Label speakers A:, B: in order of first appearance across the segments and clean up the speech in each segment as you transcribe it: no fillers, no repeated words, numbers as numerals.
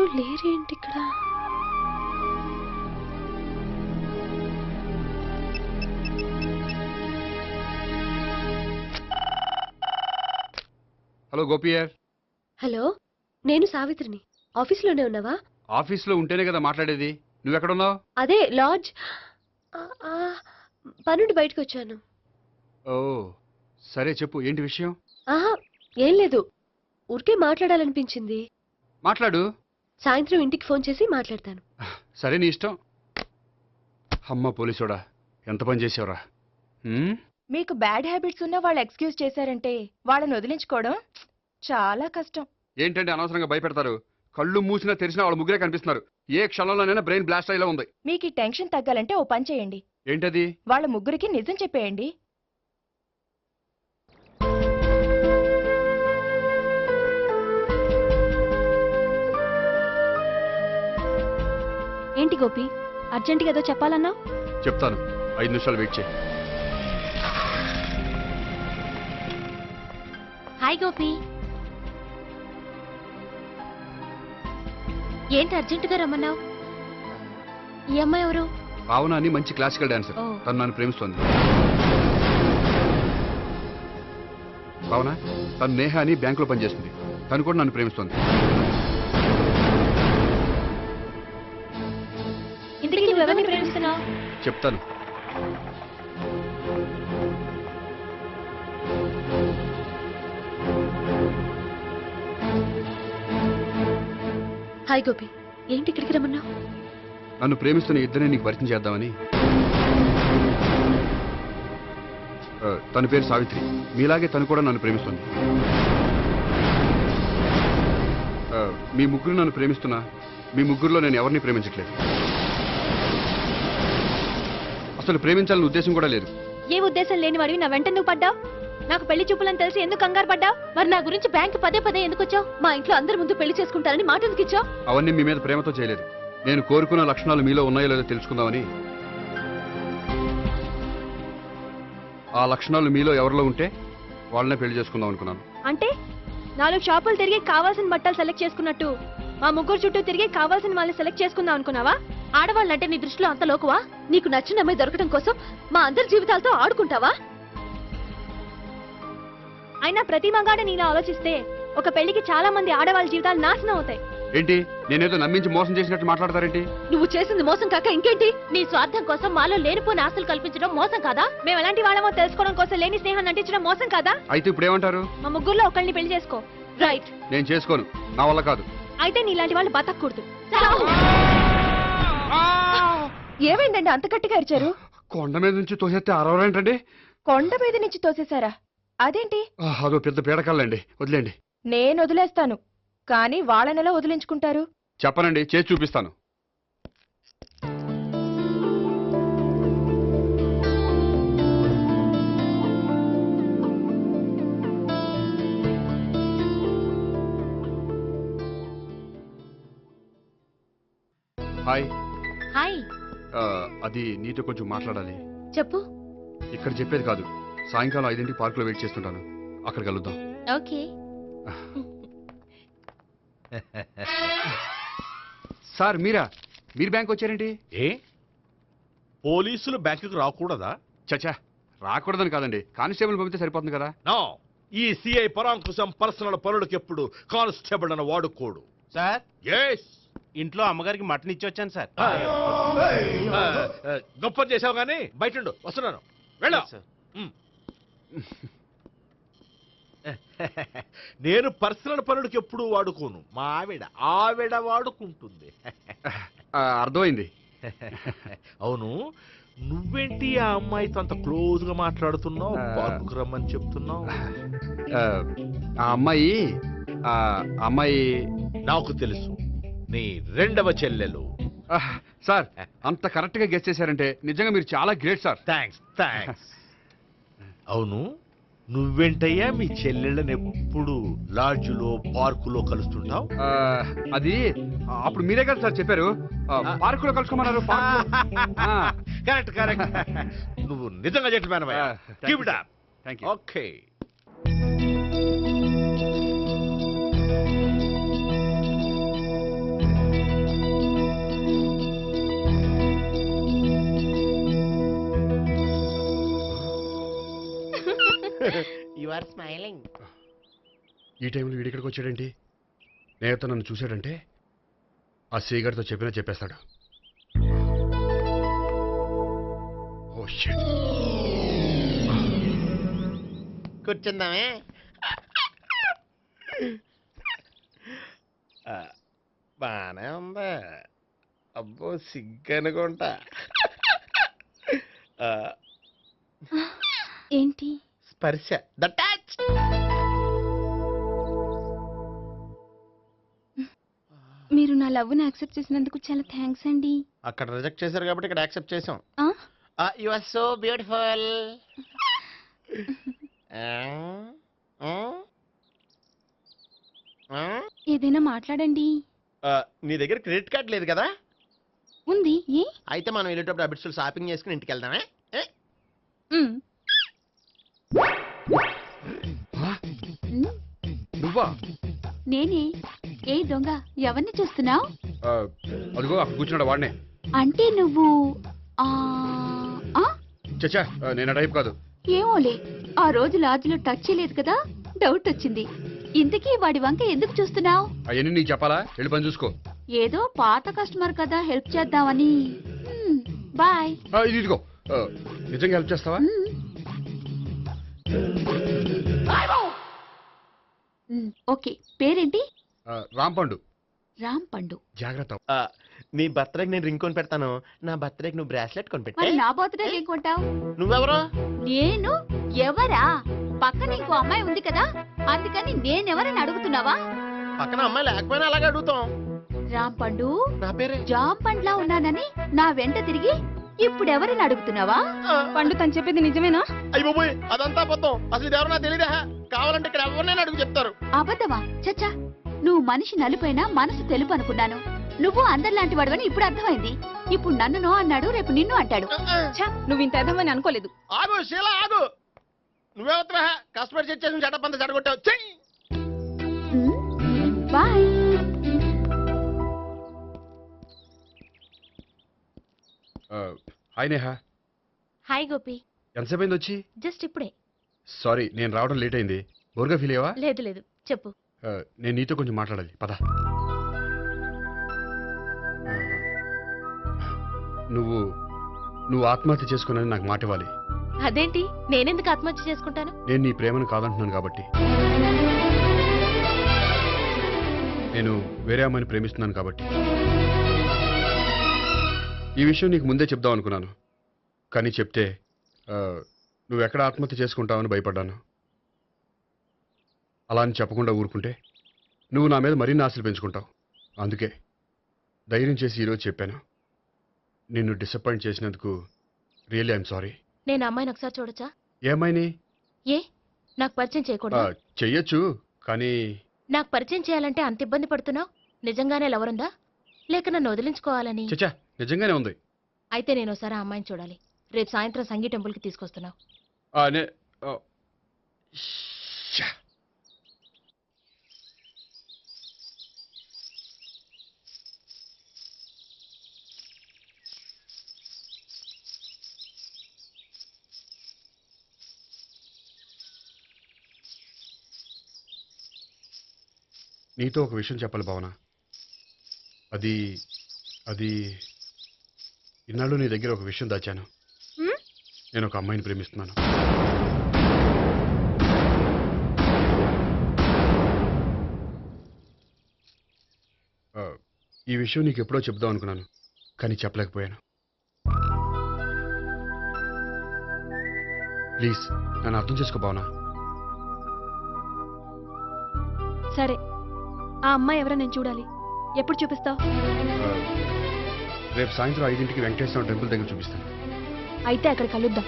A: ఎవరు లేరేంటి ఇక్కడ?
B: Hello గోపియర్.
A: Hello, నేను సావిత్రిని. ఆఫీస్లోనే ఉన్నావా?
B: ఆఫీస్లో ఉంటేనే కదా మాట్లాడేది. నువ్వెక్కడున్నావు?
A: అదే లాడ్జ్. పనుండి బయటకు వచ్చాను.
B: ఓ సరే చెప్పు, ఏంటి విషయం?
A: ఆహా, ఏం లేదు, ఊరికే మాట్లాడాలనిపించింది.
B: మాట్లాడు.
A: సాయంత్రం ఇంటికి ఫోన్ చేసి మాట్లాడతాను.
B: సరే నీ ఇష్టం. అమ్మ పోలీసోడా, ఎంత పని చేసావురా.
C: మీకు బ్యాడ్ హ్యాబిట్స్ ఉన్న వాళ్ళు ఎక్స్క్యూజ్ చేశారంటే వాళ్ళని వదిలించుకోవడం చాలా కష్టం.
B: ఏంటంటే అనవసరంగా భయపెడతారు. కళ్ళు మూసినా తెరిచినా వాళ్ళ ముగ్గురే కనిపిస్తున్నారు. ఏ క్షణంలోనైనా బ్రెయిన్ బ్లాస్ట్ అయ్యేలా ఉంది.
C: మీకు ఈ టెన్షన్ తగ్గాలంటే ఓ పని చేయండి.
B: ఏంటది?
C: వాళ్ళ ముగ్గురికి నిజం చెప్పేయండి.
A: ఏంటి గోపి, అర్జెంటుగా ఏదో చెప్పాలన్నావు?
B: చెప్తాను, 5 నిమిషాలు వెయిట్ చేయి.
A: హాయ్ గోపి. ఏంటి అర్జెంటుగా రమ్మన్నావు? ఈ అమ్మాయి ఎవరు?
B: భావన అని మంచి క్లాసికల్ డాన్సర్.
A: ఓ.
B: తను నన్ను ప్రేమిస్తోంది. భావన, తను నేహ అని బ్యాంకులో పనిచేస్తుంది. తను కూడా నన్ను ప్రేమిస్తోంది.
A: ఇంతకీ నువ్వెవరిని ప్రేమిస్తున్నావు?
B: చెప్తాను.
A: హాయ్ గోపి, ఏంటి ఇక్కడికి రమ్మన్నావు?
B: నన్ను ప్రేమిస్తున్న ఇద్దరిని నీకు పరిచయం చేద్దామని. తన పేరు సావిత్రి. మీలాగే తను కూడా నన్ను ప్రేమిస్తుంది. మీ ముగ్గురు నన్ను ప్రేమిస్తున్నా, మీ ముగ్గురులో నేను ఎవరిని ప్రేమించట్లేదు. అసలు ప్రేమించాలని ఉద్దేశం కూడా లేదు.
A: ఏ ఉద్దేశం లేని వాడివి నా వెంట నువ్వు పడ్డావు? నాకు పెళ్లి చూపులని తెలిసి ఎందుకు కంగారు పడ్డావు? మరి నా గురించి బ్యాంక్ పదే ఎందుకు వచ్చావు? మా ఇంట్లో అందరి ముందు పెళ్లి చేసుకుంటానని మాట ఎందుకు ఇచ్చావు?
B: అవన్నీ మీ మీద ప్రేమతో చేయలేదు. నేను కోరుకున్న లక్షణాలు మీలో ఉన్నాయో లేదో తెలుసుకుందామని. ఆ లక్షణాలు మీలో ఎవరిలో ఉంటే వాళ్ళనే పెళ్లి చేసుకుందాం అనుకున్నాను.
A: అంటే 4 షాపులు తిరిగి కావాల్సిన బట్టలు సెలెక్ట్ చేసుకున్నట్టు మా ముగ్గురు చుట్టూ తిరిగి కావాల్సిన వాళ్ళని సెలెక్ట్ చేసుకుందాం అనుకున్నావా? ఆడవాళ్ళంటే నీ దృష్టిలో అంత లోకువా? నీకు నచ్చిన అమ్మాయి దొరకడం కోసం మా అందరి జీవితాలతో ఆడుకుంటావా? అయినా ప్రతి మగాడ నీలా ఆలోచిస్తే ఒక పెళ్లికి చాలా మంది ఆడవాళ్ళ జీవితాలు నాశనం అవుతాయి.
B: ఏంటి, నేనేదో నమ్మించి మోసం చేసినట్టు మాట్లాడతారేంటి?
A: నువ్వు చేసింది మోసం కాక ఇంకేంటి? నీ స్వార్థం కోసం మాలో లేనిపోని ఆస్తులు కల్పించడం మోసం కాదా? మేము ఎలాంటి వాళ్ళమో తెలుసుకోవడం కోసం లేని స్నేహాన్ని నటించడం మోసం కాదా?
B: అయితే ఇప్పుడు ఏమంటారు?
A: మా ముగ్గురులో ఒకళ్ళని పెళ్లి చేసుకో. రైట్.
B: నేను చేసుకోను, నా వల్ల కాదు.
A: అయితే నీలాంటి వాళ్ళు బతకూడదు.
C: ఏమైందండి అంత గట్టిగా అరిచారు?
B: కొండ మీద నుంచి తోసేస్తే అరవరేంటండి?
C: కొండ మీద నుంచి తోసేశారా? అదేంటి?
B: అదో పెద్ద పీడకల్లండి, వదిలేండి.
C: నేను వదిలేస్తాను, కానీ వాళ్ళనెలా వదిలించుకుంటారు?
B: చెప్పనండి, చేసి చూపిస్తాను. హాయ్.
A: హాయ్.
B: అది నీతో కొంచెం మాట్లాడాలి.
A: చెప్పు.
B: ఇక్కడ చెప్పేది కాదు, సాయంకాలం 5ంటికి పార్కులో వెయిట్ చేస్తుంటాను. అక్కడ కలుద్దాం.
A: ఓకే.
B: సార్ మీరా? మీరు బ్యాంక్ వచ్చారేంటి?
D: ఏ పోలీసులు బ్యాంకుకు రాకూడదా?
B: చచ్చా, రాకూడదని కాదండి, కానిస్టేబుల్ పంపితే సరిపోతుంది కదా.
D: నో, ఈ సిఐ పరాంకుశం పర్సనల్ పనులకు ఎప్పుడు కానిస్టేబుల్ అని వాడుకోడు.
E: సార్,
D: ఎస్,
E: ఇంట్లో అమ్మగారికి మటన్ ఇచ్చి వచ్చాను సార్.
D: గొప్ప చేసావు గానీ బయట వస్తున్నాను, వెళ్ళా. నేను పర్సనల్ పనులకు ఎప్పుడు వాడుకోను, మా ఆవిడ వాడుకుంటుంది.
B: అర్థమైంది.
D: అవును, నువ్వేంటి ఆ అమ్మాయితో అంత క్లోజ్ గా మాట్లాడుతున్నావు? పార్కుకు రమ్మని చెప్తున్నావు.
B: ఆ అమ్మాయి
D: నాకు తెలుసు, నీ 2వ చెల్లెలు.
B: సార్, అంత కరెక్ట్ గా గెస్ చేశారంటే నిజంగా మీరు చాలా గ్రేట్ సార్.
D: థ్యాంక్స్. అవును, నువ్వేంటయ్యా మీ చెల్లెళ్ళని ఎప్పుడు లాడ్జ్లో పార్కులో కలుస్తుంటావు?
B: అది అప్పుడు మీరే కదా సార్ చెప్పారు, పార్కులో కలుసుకోమన్నారు.
D: కరెక్ట్. నువ్వు నిజంగా gentleman. Keep it up.
B: Thank you.
D: Okay.
E: Are smiling.
B: ఈ టైంలో వీడిక్కడికి వచ్చాడేంటి? నేత నన్ను చూశాడంటే ఆ సీగారితో చెప్పినా చెప్పేస్తాడు. Oh shit.
E: కూర్చుందామే. బానే ఉందా? అబ్బో సిగ్గనుకుంటా.
A: ఏంటి?
E: స్పర్శ, ద టచ్.
A: మీరు నా లవ్ని యాక్సెప్ట్ చేసినందుకు చాలా థ్యాంక్స్ అండి.
E: అక్కడ రిజెక్ట్ చేశారు కాబట్టి ఇక్కడ యాక్సెప్ట్ చేసాం.
A: ఆ?
E: You are so beautiful.
A: ఏదైనా మాట్లాడండి.
E: నీ దగ్గర క్రెడిట్ కార్డ్ లేదు కదా?
A: ఉంది. ఏ?
E: అయితే మనం వెళ్ళేటప్పుడు అబిట్స్ షాపింగ్ చేసుకుని ఇంటికి వెళ్దామే.
A: మ్.
B: ఆ? నువ్వా?
A: నేనే. ఏ దొంగ, ఎవరిని చూస్తున్నావు?
B: ఆ, అదిగో అక్కడ కూర్చున్నాడు వాడినే.
A: అంటే నువ్వు ఆ ఆ?
B: చచ్చా, నేను ఆ టైప్ కాదు.
A: ఏమోలే, ఆ రోజు లాడ్జ్లో టచ్ చేయలేదు కదా, డౌట్ వచ్చింది. ఇంతకీ వాడి వంక ఎందుకు చూస్తున్నావు?
B: అవన్నీ నీకు చెప్పాలా? వెళ్ళి పని చూసుకో.
A: ఏదో పాత కస్టమర్ కదా, హెల్ప్ చేద్దామని. బాయ్.
B: ఇది ఇదిగో, నిజంగా హెల్ప్ చేస్తావా?
A: ఓకే, పేరేంటి?
B: రాంపండు.
A: రామ్ పండు.
B: జాగ్రత్త.
E: నీ బర్త్డేకి నేను రింగ్ కొని పెడతాను. నా బర్త్డేకి నువ్వు బ్రాస్లెట్ కొని పెట్టే.
A: మరి నా బర్త్డే ఏం కొంటావు?
E: నువ్వెవరో?
A: నేను ఎవరా? పక్కన ఇంకో అమ్మాయి ఉంది కదా, అందుకని నేనెవరని అడుగుతున్నావా?
E: పక్కన అమ్మాయి లేకపోయినా అలాగే అడుగుతాం.
A: రామ్ పండు,
E: నా పేరే
A: జామ్ పండ్లా ఉన్నానని నా వెంట తిరిగి ఇప్పుడెవరని అడుగుతున్నావా? పండు తను చెప్పేది నిజమేనా?
E: అయ్యి బాబోయ్, అదంతా అబద్ధం. అసలు ఇది ఎవరన్నా తెలియదా? కావాలంటే ఇక్కడ ఎవరినైనా అడుగు చెప్తారు.
A: అబద్ధమా? చచ్చా, నువ్వు మనిషి నలుపైనా మనసు తెలుపు అనుకున్నాను. నువ్వు అందరిలాంటి వాడువని ఇప్పుడు అర్థమైంది. ఇప్పుడు నన్ను నో అన్నాడు, రేపు నిన్ను అంటాడు. నువ్వు ఇంత అర్థమని అనుకోలేదు.
E: ఆగు శీల, ఆగు. నువ్వెవరా? కస్టమర్ చెక్ చేసి చెడ్డ పంత చెడగొట్టావు. చెయ్యి.
A: Bye.
B: Hi Neha.
A: Hi Gopi.
B: ఎంతసేపు అయింది వచ్చి?
A: జస్ట్ ఇప్పుడే.
B: సారీ, నేను రావడం లేట్ అయింది. బోర్గా ఫీల్ అయ్యావా?
A: లేదు లేదు, చెప్పు.
B: నేను నీతో కొంచెం మాట్లాడాలి, పద. నువ్వు ఆత్మహత్య చేసుకున్నది నాకు మాట ఇవ్వాలి.
A: అదేంటి, నేనెందుకు ఆత్మహత్య చేసుకుంటాను?
B: నేను నీ ప్రేమను కాదంటున్నాను కాబట్టి. నేను వేరే అమ్మాయిని ప్రేమిస్తున్నాను కాబట్టి. ఈ విషయం నీకు ముందే చెప్దాం అనుకున్నాను, కానీ చెప్తే నువ్వు ఎక్కడ ఆత్మహత్య చేసుకుంటావని భయపడ్డాను. అలా అని చెప్పకుండా ఊరుకుంటే నువ్వు నా మీద మరిన్ని ఆశలు పెంచుకుంటావు. అందుకే ధైర్యం చేసి ఈరోజు చెప్పాను. నిన్ను డిసప్పాయింట్ చేసినందుకు రియల్లీ ఐఎమ్ సారీ.
A: నేను అమ్మాయిని ఒకసారి చూడొచ్చా?
B: ఏ అమ్మాయిని?
A: ఏ, నాకు పరిచయం చేయకూడదు?
B: చెయ్యొచ్చు, కానీ
A: నాకు పరిచయం చేయాలంటే అంత ఇబ్బంది పడుతున్నావు? నిజంగానే లవరుందా, లేక నన్ను వదిలించుకోవాలని?
B: చచ్చా, నిజంగానే ఉంది.
A: అయితే నేను ఒకసారి ఆ అమ్మాయిని చూడాలి. రేపు సాయంత్రం సంగీ టెంపుల్కి తీసుకొస్తున్నావు.
B: నీతో ఒక విషయం చెప్పాలి భావన. అది ఇన్నాళ్ళు నీ దగ్గర ఒక విషయం దాచాను. నేను ఒక అమ్మాయిని ప్రేమిస్తున్నాను. ఈ విషయం నీకు ఎప్పుడో చెప్దాం అనుకున్నాను, కానీ చెప్పలేకపోయాను. ప్లీజ్ నన్ను అర్థం చేసుకో భావన.
A: సరే, ఆ అమ్మాయి ఎవరో నేను చూడాలి. ఎప్పుడు చూపిస్తావు?
B: రేపు సాయంత్రం 5ంటికి వెంకటేశ్వర టెంపుల్ దగ్గర చూపిస్తాను.
A: అయితే అక్కడ కలుద్దాం.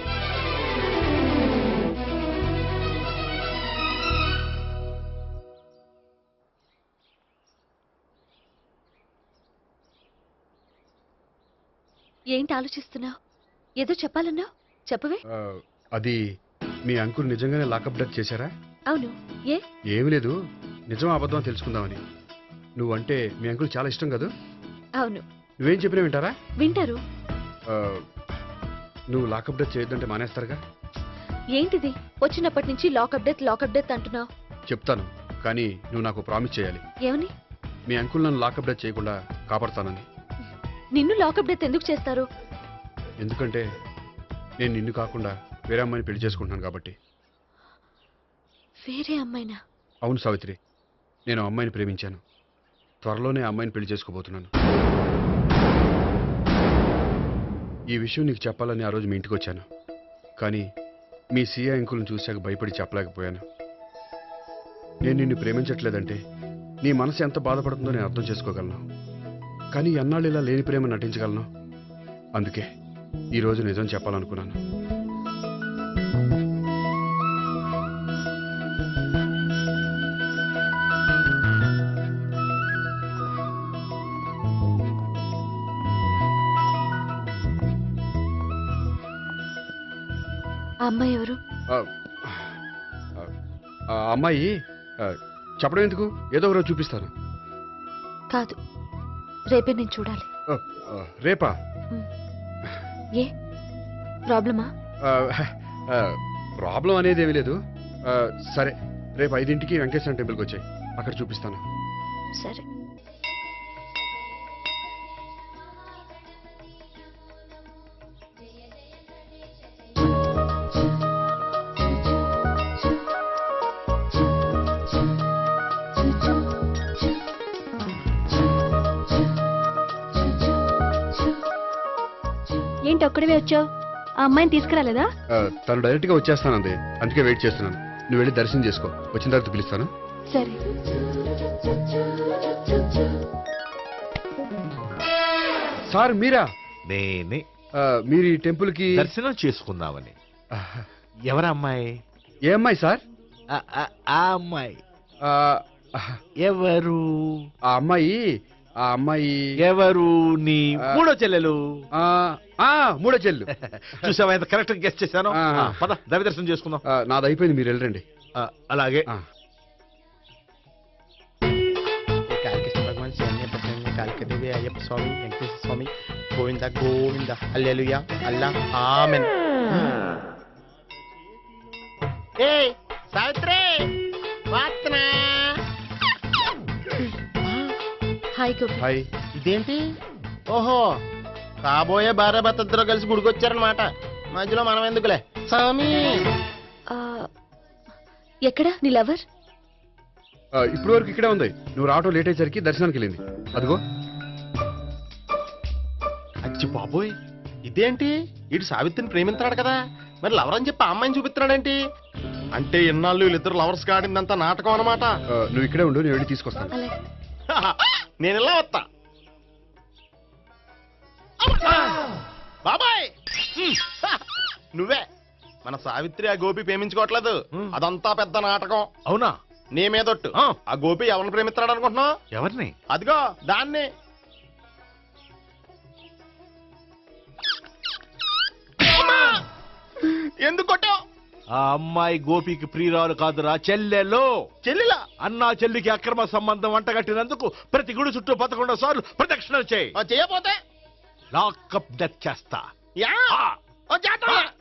A: ఏంటి ఆలోచిస్తున్నావు? ఏదో చెప్పాలన్నావు, చెప్పవే.
B: అది మీ అంకుల్ నిజంగానే లాకప్ డెత్ చేశారా?
A: అవును. ఏ?
B: ఏమీ లేదు, నిజం అబద్ధం అని తెలుసుకుందామని. నువ్వంటే మీ అంకుల్ చాలా ఇష్టం కదా?
A: అవును.
B: నువ్వేం చెప్పినా వింటారా?
A: వింటారు.
B: నువ్వు లాకప్ డెత్ చేయొద్దంటే మానేస్తారుగా?
A: ఏంటిది వచ్చినప్పటి నుంచి లాకప్ డెత్ అంటున్నావు?
B: చెప్తాను, కానీ నువ్వు నాకు ప్రామిస్ చేయాలి.
A: ఏమని?
B: మీ అంకుల్ నన్ను లాకప్ డెత్ చేయకుండా కాపాడుతానని.
A: నిన్ను లాకప్ డెత్ ఎందుకు చేస్తారు?
B: ఎందుకంటే నేను నిన్ను కాకుండా వేరే అమ్మాయిని పెళ్లి చేసుకుంటున్నాను కాబట్టి.
A: వేరే అమ్మాయినా?
B: అవును సావిత్రి, నేను ఆ అమ్మాయిని ప్రేమించాను. త్వరలోనే ఆ అమ్మాయిని పెళ్లి చేసుకోబోతున్నాను. ఈ విషయం నీకు చెప్పాలని ఆ రోజు మీ ఇంటికి వచ్చాను, కానీ మీ సీఏ అంకుల్ని చూశాక భయపడి చెప్పలేకపోయాను. నేను నిన్ను ప్రేమించట్లేదంటే నీ మనసు ఎంత బాధపడుతుందో నేను అర్థం చేసుకోగలను, కానీ ఎన్నాళ్ళు ఇలా లేని ప్రేమ నటించగలను? అందుకే ఈరోజు నిజం చెప్పాలనుకున్నాను.
A: ఆ అమ్మాయి ఎవరు?
B: ఆ, ఆ అమ్మాయి చెప్పడం ఎందుకు, ఏదో ఒకరోజు చూపిస్తాను.
A: కాదు, రేపే నేను చూడాలి.
B: రేపా?
A: ఏ ప్రాబ్లమా?
B: ప్రాబ్లం అనేది ఏమీ లేదు. సరే, రేపు 5ంటికి వెంకటేశ్వర టెంపుల్కి వచ్చాయి, అక్కడ చూపిస్తాను.
A: సరే. ఏంటి ఒక్కడివే వచ్చావు? ఆ అమ్మాయిని తీసుకురాలేదా?
B: తను డైరెక్ట్గా వచ్చేస్తానంది, అందుకే వెయిట్ చేస్తున్నాను. నువ్వు వెళ్ళి దర్శనం చేసుకో, వచ్చిన తర్వాత పిలుస్తాను.
A: సరే.
B: సార్ మీరా?
D: నేనే
B: మీరు ఈ టెంపుల్కి
D: దర్శనం చేసుకుందామని. ఎవరమ్మాయి?
B: ఏ అమ్మాయి సార్?
D: ఆ అమ్మాయి
B: ఆ,
D: ఎవరు?
B: ఆ అమ్మాయి
D: ఎవరు? నీ మూడో చెల్లెలు.
B: మూడో చెల్లు.
D: చూసావా ఎంత కరెక్ట్ గెస్ట్ చేశాను. పద దవి దర్శనం చేసుకుందాం.
B: నాది అయిపోయింది, మీరు వెళ్ళండి.
D: అలాగే.
E: కాళికేశ్వర భగవాన్ శరణ్య ప్రసన్న Kalikadevi Ayyappa Swami Venkateshwara Swami Govinda Govinda hallelujah Allah amen. ఏయ్ సావిత్రి, వాత్నా.
A: హాయ్ గోపి.
B: హాయ్.
E: ఇదేంటి? ఓహో, కాబోయే భార్య భర్త ఇద్దరు కలిసి గుడికొచ్చారనమాట. మధ్యలో మనం ఎందుకులే స్వామి.
A: ఆ, ఎక్కడ నీ లవర్?
B: ఇప్పుడు వరకు ఇక్కడే ఉంది. నువ్వు రావటం లేట్ అయ్యేసరికి దర్శనానికి వెళ్ళింది. అదిగో.
E: అచ్చి బాబోయ్, ఇదేంటి? ఇటు సావిత్రిని ప్రేమిస్తున్నాడు కదా, మరి లవర్ అని చెప్పి ఆ అమ్మాయిని చూపిస్తున్నాడేంటి? అంటే ఇన్నాళ్ళు వీళ్ళిద్దరు లవర్స్ కాడిందంతా నాటకం అనమాట.
B: నువ్వు ఇక్కడే ఉండు, నేను వెళ్ళి తీసుకొస్తాను.
A: అలాగే.
E: నేను ఇలా వస్తా. బాబాయ్, నువ్వే మన సావిత్రి ఆ గోపి ప్రేమించుకోవట్లేదు, అదంతా పెద్ద నాటకం.
D: అవునా?
E: నీ మీదొట్టు. ఆ గోపి ఎవరిని ప్రేమిస్తున్నాడు అనుకుంటున్నావు?
D: ఎవరిని?
E: అదిగో దాన్ని. ఎందుకు కొట్టావు?
D: ఆ అమ్మాయి గోపికి ప్రియురాలు కాదురా, చెల్లెలో.
E: చెల్లిలా?
D: అన్నా చెల్లికి అక్రమ సంబంధం అంటగట్టినందుకు ప్రతి గుడి చుట్టూ 11 సార్లు ప్రదక్షిణలు చేయి.
E: చేయపోతే
D: లాకప్ డెత్ చేస్తా.
E: యా, చేద్దాం.